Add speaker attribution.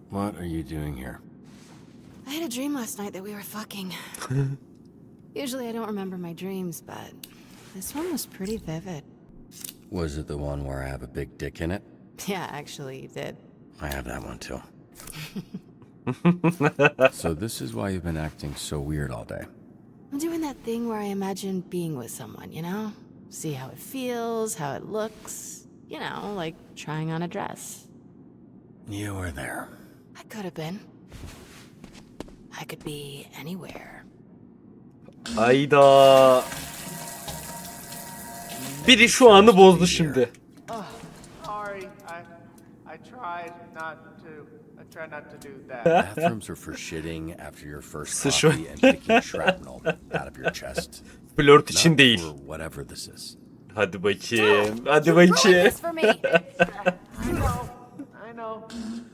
Speaker 1: What are you doing here?
Speaker 2: I had a dream last night that we were fucking. Usually I don't remember my dreams, but this one was pretty vivid.
Speaker 1: Was it the one where I have a big dick in it?
Speaker 2: Yeah, actually, you did.
Speaker 1: I have that one too. So this is why you've been acting so weird all day.
Speaker 2: I'm doing that thing where I imagine being with someone, you know? See how it feels, how it looks. You know, like trying on a dress.
Speaker 1: You were there.
Speaker 2: I could have been. I could be anywhere.
Speaker 3: Ayda. Biri şu anı bozdu şimdi.
Speaker 4: Sorry, I try not to do that.
Speaker 1: Bathrooms are for shitting after your first
Speaker 3: Sıçra.
Speaker 1: coffee and picking shrapnel out of your chest.
Speaker 3: Flört için
Speaker 1: Not
Speaker 3: değil.
Speaker 1: for whatever this is.
Speaker 3: Hadi bakayım. Hadi
Speaker 2: Ruin
Speaker 3: bakayım.
Speaker 2: this for me.
Speaker 4: I know.